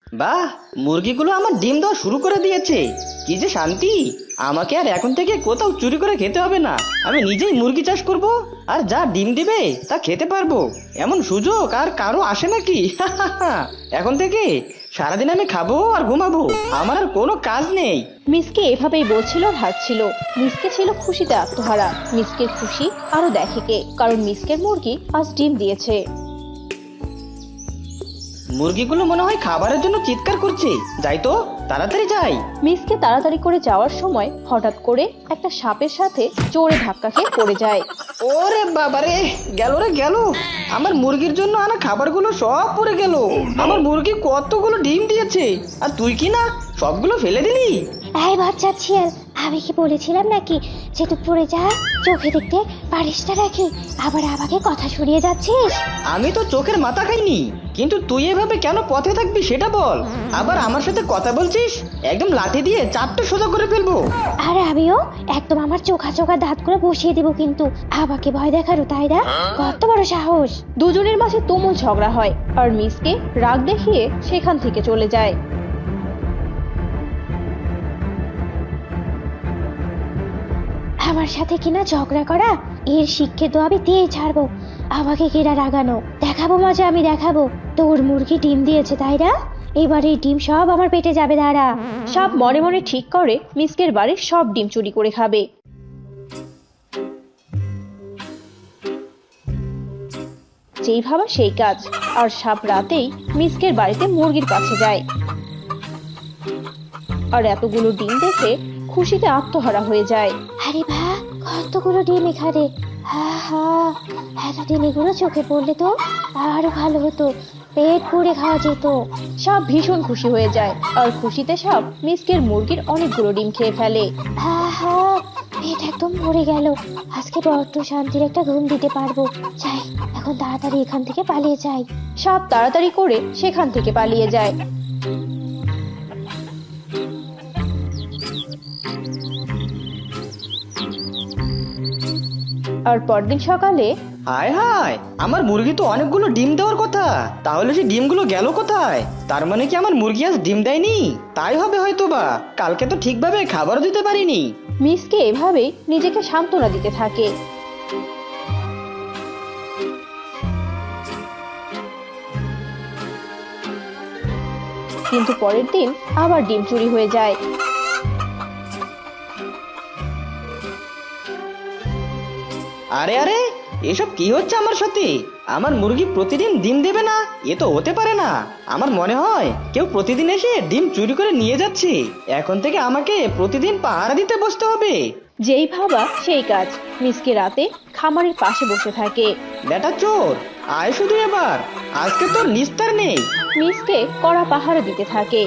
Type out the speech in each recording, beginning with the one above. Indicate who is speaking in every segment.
Speaker 1: বাহ, মুরগিগুলো আমার ডিম দেওয়া শুরু করে দিয়েছে। কি যে শান্তি! আমাকে আর এখন থেকে কোথাও চুরি করে খেতে হবে না। আমি নিজেই মুরগি চাষ করব, আর যা ডিম দিবে তা খেতে পারবো। এমন সুযোগ আর কারো আসে নাকি? এখন থেকে সারাদিন আমি খাবো আর ঘুমাবো, আমার আর কোনো কাজ নেই।
Speaker 2: মিসকে এভাবেই বলছিল আর হাসছিল। মিসকে ছিল খুশিতে আত্মহারা। মিসকের খুশি আরো দেখে কে, কারণ মিসকের মুরগি আজ ডিম দিয়েছে।
Speaker 1: মুরগিগুলো মনে হয় খাবারের জন্য চিৎকার করছে। যাই তো, তাড়াতাড়ি যাই।
Speaker 2: মিসকে তাড়াতাড়ি করে যাওয়ার সময় হঠাৎ করে একটা সাপের সাথে জোরে ধাক্কা খেয়ে পড়ে যায়।
Speaker 1: ওরে বাবারে, গেল রে গেল! আমার মুরগির জন্য আনা খাবারগুলো সব পড়ে গেল। আমার মুরগি কতগুলো ডিম দিয়েছে, আর তুই কি না সবগুলো ফেলে দিলি?
Speaker 3: এই বাচ্চা ছিয়াল, আমি কি বলেছিলাম নাকি যে তুই পড়ে যা? চোখে দেখতে পারিস না নাকি? আবার আমাকে কথা শুনিয়ে যাচ্ছিস?
Speaker 1: আমি তো চোখের মাথা খাইনি, কিন্তু তুই এভাবে কেন পথে থাকবি সেটা বল। আবার আমার সাথে কথা বলছিস, একদম লাঠি দিয়ে চাপটা সোজা করে ফেলবো।
Speaker 3: আর আমিও একদম আমার চোখা চোখা দাঁত করে বসিয়ে দেবো কিন্তু। আমাকে ভয় দেখারও, তাই না? কত বড় সাহস!
Speaker 2: দুজনের মাঝে তুমুল ঝগড়া হয়, আর মিসকে রাগ দেখিয়ে সেখান থেকে চলে যায়।
Speaker 3: আমার সাথে কিনা ঝগড়া করা, এর শিক্ষে তো আমি দিয়ে ছাড়বো। আমাকে কিনা রাগানো, দেখাবো মজা, আমি দেখাবো। তোর মুরগি ডিম দিয়েছে, তাই না? এবার এই ডিম সব আমার পেটে যাবে, দাঁড়া।
Speaker 2: সাপ মনে মনে ঠিক করে মিসকের বাড়ির সব ডিম চুরি করে খাবে। যেই ভাবা সেই কাজ, আর সাপ রাতেই মিসকের বাড়িতে মুরগির কাছে যায়। আর এতগুলো ডিম দেখে খুশিতে আত্মহারা হয়ে যায়।
Speaker 3: আরে বাহ, কতগুলো ডিম এখানে! হা হা, এতদিন এগুলো চোখে পড়লে তো আরো ভালো হতো, পেট পুড়ে খাওয়া যেত।
Speaker 2: সাপ ভীষণ খুশি হয়ে যায়, আর খুশিতে সাপ মিসকের মুরগির অনেকগুলো ডিম খেয়ে ফেলে।
Speaker 3: হা হা, পেট একদম ভরে গেল। আজকে বড্ড শান্তির একটা ঘুম দিতে পারবো। যাই, এখন তাড়াতাড়ি এখান থেকে পালিয়ে যাই।
Speaker 2: সাপ তাড়াতাড়ি করে সেখান থেকে পালিয়ে যায়। আর পরদিন সকালে
Speaker 1: হায় হায়, আমার মুরগি তো অনেকগুলো ডিম দেওয়ার কথা, তাহলে সেই ডিমগুলো গেল কোথায়? তার মানে কি আমার মুরগি আজ ডিম দেয়নি? তাই হবে হয়তো বা, কালকে তো ঠিকভাবে খাবারও দিতে পারিনি।
Speaker 2: মিসকে এভাবে নিজেকে সান্ত্বনা দিতে থাকে। কিন্তু পরের দিন আবার ডিম চুরি হয়ে যায়।
Speaker 1: আরে আরে, এসব কি হচ্ছে আমার সাথে? আমার মুরগি প্রতিদিন ডিম দেবে না? এ তো হতে পারে না। আমার মনে হয় কেউ প্রতিদিন এসে ডিম চুরি করে নিয়ে যাচ্ছে। এখন থেকে আমাকে প্রতিদিন পাহারা দিতে বসতে হবে।
Speaker 2: যেই ভাবা সেই কাজ। মিসকে রাতে খামারের পাশে বসে থাকে।
Speaker 1: বেটা চোর, আয় শুধু এবার, আজকে তোর নিস্তার নেই।
Speaker 2: মিসকে কড়া পাহারা দিতে থাকে।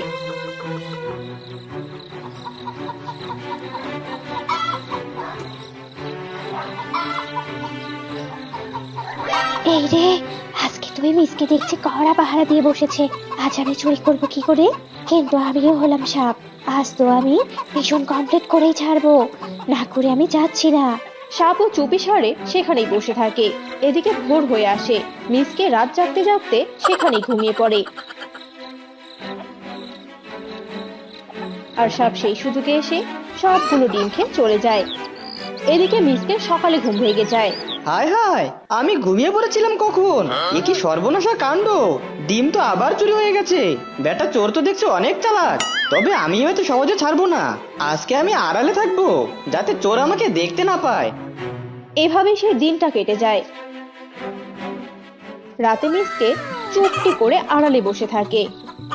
Speaker 3: এই রে, আজকে তুমি মিসকে দেখছি কড়া পাহারা দিয়ে বসেছে। আজ আমি চুরি করবো কি করে? কিন্তু আমিও হলাম সাপ, আজ তো আমি ভীষণ কমপ্লিট করেই ছাড়বো। না করে আমি যাচ্ছি না।
Speaker 2: সাপও চুপি সারে সেখানেই বসে থাকে। এদিকে ভোর হয়ে আসে। মিসকে রাত জাগতে জাগতে সেখানেই ঘুমিয়ে পড়ে। আর সাপ সেই সুযোগে এসে সবগুলো ডিম খেয়ে চলে যায়। এদিকে মিসকে সকালে ঘুম ভেঙে যায়।
Speaker 1: হায় হায়, আমি ঘুমিয়ে পড়েছিলাম কখন! এ কি সর্বনাশা কাণ্ড! ডিম তো আবার চুরি হয়ে গেছে। বেটা চোর তো দেখছি অনেক চালাক। তবে আমি হয়তো সহজে ছাড়বো না। আজকে আমি আড়ালে থাকবো, যাতে চোর আমাকে দেখতে না পায়।
Speaker 2: এভাবেই সেই দিনটা কেটে যায়। রাতে মিসকে চুপটি করে আড়ালে বসে থাকে।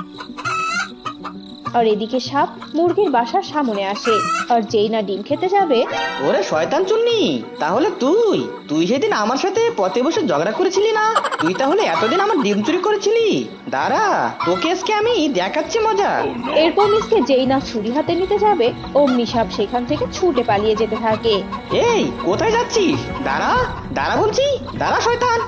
Speaker 2: আর এদিকে সাপ মুরগির বাসার সামনে আসে। আর যেই না ডিম খেতে যাবে,
Speaker 1: ওরে শয়তান চুন্নি, তাহলে তুই তুই সেদিন আমার সাথে পথে বসে ঝগড়া করেছিলি না? তুই তাহলে এতদিন আমার ডিম চুরি করেছিলি? দাঁড়া, তোকে আজকে আমি দেখাচ্ছি মজা।
Speaker 2: এরপর মিসকে যেই না ছুরি হাতে নিতে যাবে, অমনি সাপ সেখান থেকে ছুটে পালিয়ে যেতে থাকে।
Speaker 1: এই, কোথায় যাচ্ছিস? দাঁড়া, দাঁড়া বলছি, দাঁড়া শয়তান!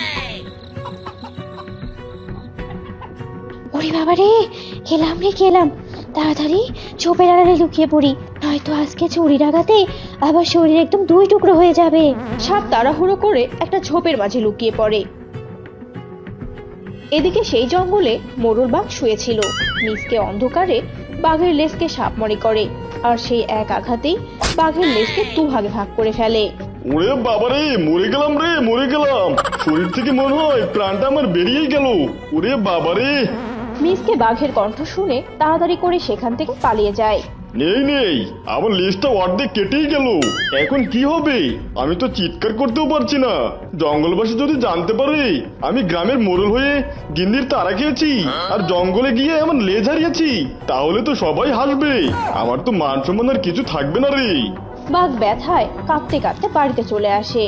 Speaker 3: ওরে বাবা রে, খেলাম রে খেলাম। তাড়াতাড়ি ঝোপের আড়ালে লুকিয়ে পড়ি, নয়তো আজকে চুরি লাগাতে আবার শরীর একদম দুই টুকরো হয়ে যাবে।
Speaker 2: সাপ তাড়াহুড়ো করে একটা ঝোপের মাঝে লুকিয়ে পড়ে। এদিকে সেই জঙ্গলে মোরল বাঘ শুয়েছিল। মিসকে অন্ধকারে বাঘের লেজকে সাপমরি করে, আর সেই এক আঘাতেই বাঘের লেজকে দুভাগে ভাগ করে ফেলে।
Speaker 4: ওরে বাবারে, মরে গেলাম রে, মরে গেলাম। শরীর থেকে মনে হয় প্রাণটা আমার বেরিয়ে গেল। ওরে বাবারে।
Speaker 2: মিসকে বাঘের কণ্ঠ শুনে তাড়াতাড়ি করে সেখান থেকে পালিয়ে যায়।
Speaker 4: নেই নেই, আমার লেজটা অর্ধেক কেটেই গেল। এখন কি হবে? আমি তো চিৎকার করতেও পারছি না। জঙ্গলবাসী যদি জানতে পারে আমি গ্রামের মোড়ল হয়ে গিন্নির তাড়া খেয়েছি আর জঙ্গলে গিয়ে আমার লেজ হারিয়েছি, তাহলে তো সবাই হাসবে। আমার তো মান সম্মান আর কিছু থাকবে না রে।
Speaker 2: বাঘ ব্যথায় কাঁপতে কাঁপতে বাড়িতে চলে আসে।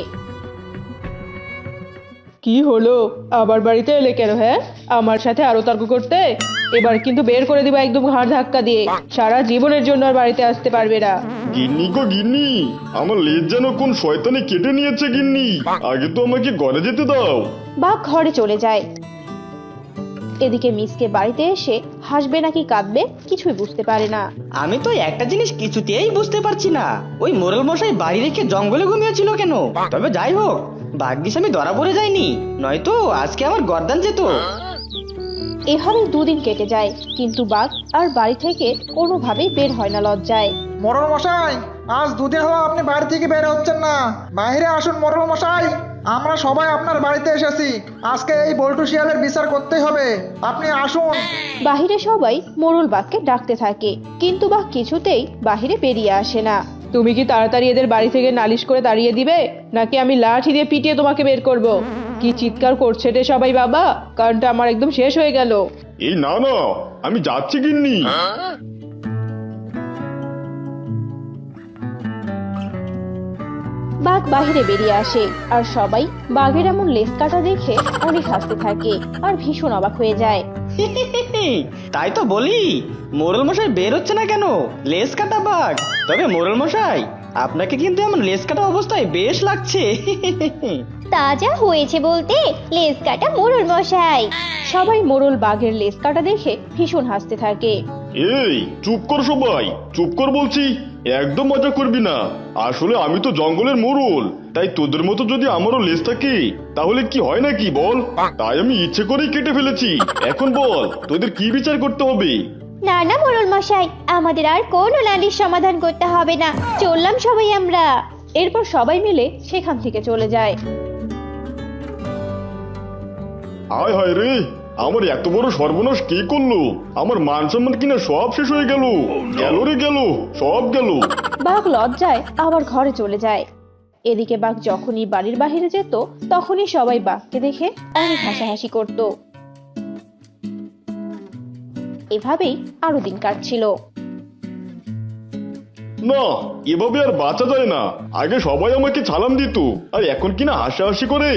Speaker 5: কি হলো, আবার বাড়িতে এলে কেন? হ্যাঁ, আমার সাথে আরো তর্ক করতে? এবার কিন্তু বের করে দিবা একদম ঘাড় ধাক্কা দিয়ে। সারা জীবনের জন্য আর বাড়িতে আসতে পারবে না।
Speaker 4: গিন্নি গো গিন্নি, আমার লেজ যেন কোন শয়তানে কেটে নিয়েছে গিন্নি। আগে তো আমাকে ঘরে যেতে দাও।
Speaker 2: বাঘ ঘরে চলে যায়। এদিকে মিসকে বাড়িতে এসে হাসবে নাকি কাঁদবে কিছুই বুঝতে পারে না।
Speaker 1: আমি তো একটা জিনিস কিছুতেই বুঝতে পারছি না, ওই মোরল মশাই বাড়ি রেখে জঙ্গলে ঘুমিয়েছিল কেন? তবে যাই হোক, ভাগ্যিস আমি ধরা পড়ে যাইনি, নয়তো আজকে আমার গর্দান যেত।
Speaker 2: এভাবে দুদিন কেটে যায়, কিন্তু বাঘ আর বাড়ি থেকে কোনোভাবেই বের হয় না লজ্জায়।
Speaker 6: মোড়ল মশাই, আজ দুদিন হলো আপনি বাড়ি থেকে বের হচ্ছেন না। বাইরে আসুন মোড়ল মশাই, আমরা সবাই আপনার বাড়িতে এসেছি। আজকে এই বল্টু শিয়ালের বিচার করতেই হবে, আপনি আসুন।
Speaker 2: বাহিরে সবাই মোরল বাঘকে ডাকতে থাকে, কিন্তু বাঘ কিছুতেই বাহিরে বেরিয়ে আসে না।
Speaker 5: তুমি কি তাড়াতাড়ি এদের বাড়ি থেকে নালিশ করে তাড়িয়ে দিবে, নাকি আমি লাঠি দিয়ে পিটিয়ে তোমাকে বের করব? কি চিৎকার করছে রে সবাই বাবা, কারণটা আমার একদম শেষ হয়ে গেল।
Speaker 4: এই না না, আমি যাচ্ছি গিন্নি।
Speaker 2: বাঘ বাহিরে বেরিয়ে আসে, আর সবাই বাঘের এমন লেজ কাটা দেখে অনেক হাসতে থাকে আর ভীষণ অবাক হয়ে যায়।
Speaker 1: তাই তো বলি, মোরল মশাই বের হচ্ছে না কেন? লেজ কাটা বাঘ। তবে মোরল মশাই, আপনাকে কিন্তু এমন লেজ কাটা অবস্থায় বেশ লাগছে।
Speaker 3: তাজা হয়েছে বলতে লেজ কাটা মোড়ল মশাই।
Speaker 2: সবাই মোরল বাঘের লেজ কাটা দেখে ভীষণ হাসতে থাকে।
Speaker 4: এই চুপ কর সবাই, চুপ কর বলছি। একদম মজা করবি না। আসলে আমি তো জঙ্গলের মোড়ল, তাই তোদের মতো যদি আমারও লেজ থাকে তাহলে কি হয় নাকি বল? তাই আমি ইচ্ছে করেই কেটে ফেলেছি। এখন বল, তোদের কি বিচার করতে হবে?
Speaker 3: না না মোড়ল মশাই, আমাদের আর কোনো নালিশ সমাধান করতে হবে না, চললাম সবাই আমরা।
Speaker 2: এরপর সবাই মিলে সেখান থেকে চলে যায়।
Speaker 4: আয় হায় রে, আমার এত বড় সর্বনাশ কে করলো? আমার মান সম্মান কিনা সব শেষ হয়ে গেল। গেল রে গেল, সব গেল।
Speaker 2: বাঘ লজ্জায় আবার ঘরে চলে যায়। এদিকে বাঘ যখনই বাড়ির বাইরে যেত, তখনই সবাই বাঘকে দেখে অনেক হাসাহাসি করত। এভাবেই আরো দিন কাটছিল।
Speaker 4: না, এভাবে আর বাঁচা যায় না। আগে সবাই আমাকে সালাম দিত, আর এখন কিনা হাসাহাসি করে।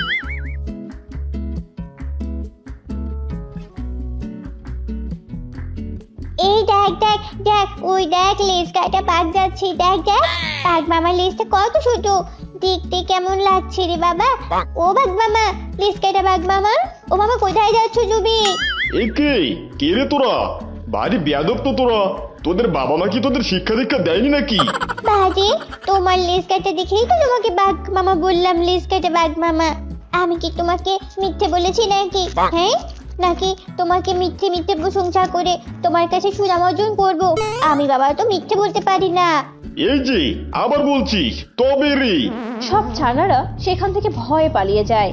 Speaker 3: এই দেখ দেখ দেখ, ওই দেখ লেজ কাটা বাঘ যাচ্ছে, দেখ দেখ। বাঘ মামার লেজটা কত ছোট, দেখতে কেমন লাগছে রে বাবা। ও বাঘ মামা, লেজ কাটা বাঘ মামা, ও মামা কোথায় যাচ্ছ তুমি?
Speaker 4: এই কে রে তোরা? ভারী বেয়াদব তো তোরা। তোদের বাবা মা কি তোদের শিক্ষা দীক্ষা দেয়নি নাকি?
Speaker 3: বাজে, তোমার লেজ কাটা দেখেই তো তোমাকে বাঘ মামা বললাম, লেজ কাটা বাঘ মামা। আমি কি তোমাকে মিথ্যে বলেছি নাকি? হ্যাঁ, নাকি তোমাকে মিথ্যে মিথ্যে প্রশংসা করে তোমার কাছে সুনাম অর্জন করবো? আমি বাবা তো মিথ্যে বলতে পারি না।
Speaker 4: এই যে আবার বলছিস, তবে রে।
Speaker 2: সব ছানারা সেখান থেকে ভয়ে পালিয়ে যায়।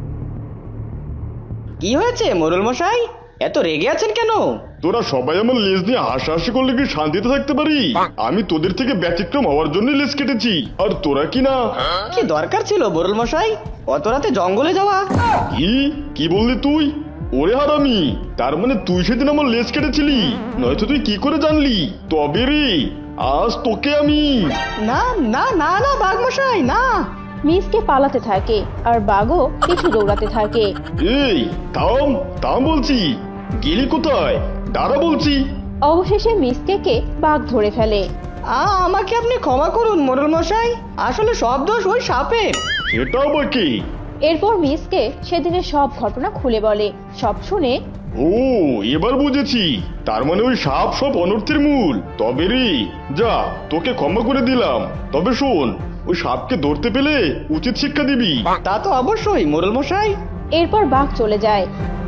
Speaker 1: কি হয়েছে মোরল মশাই, এত রেগে আছেন কেন?
Speaker 4: তোরা সবাই আমার লেজ নিয়ে হাসাহাসি করলে কি শান্তিতে থাকতে পারি? আমি তোদের থেকে ব্যতিক্রম হওয়ার জন্য লেজ কেটেছি, আর তোরা কি না।
Speaker 1: কি দরকার ছিল মোরল মশাই অত রাতে জঙ্গলে যাওয়া?
Speaker 4: কি বললি তুই? ওরে হারামি, তার মানে তুই সেদিন আমার লেজ কেটেছিলি? নয়তো তুই কি করে জানলি? তবে রে, আজ তোকে আমি।
Speaker 1: না না না না বাঘ মশাই না।
Speaker 2: মিসকে পালাতে থাকে, আর বাঘও কিছু দৌড়াতে থাকে।
Speaker 4: এই থাম থাম বলছি, গেলি কোথায়? দাঁড়া বলছি।
Speaker 2: অবশেষে মিসকে বাঘ ধরে ফেলে।
Speaker 1: আমাকে আপনি ক্ষমা করুন মোরল মশাই, আসলে সব দোষ ওই সাপের।
Speaker 4: সেটা আবার কি?
Speaker 2: এরপর মিসকে সেদিনের সব ঘটনা খুলে বলে। সব শুনে
Speaker 4: ও, এবার বুঝেছি, তার মানে ওই সাপ সব অনর্থের মূল। তবে রে, যা, তোকে ক্ষমা করে দিলাম। তবে শোন, ওই সাপকে ধরতে পেলে উচিত শিক্ষা দিবি।
Speaker 1: তা তো অবশ্যই মোরল মশাই।
Speaker 2: এরপর বাঘ চলে যায়।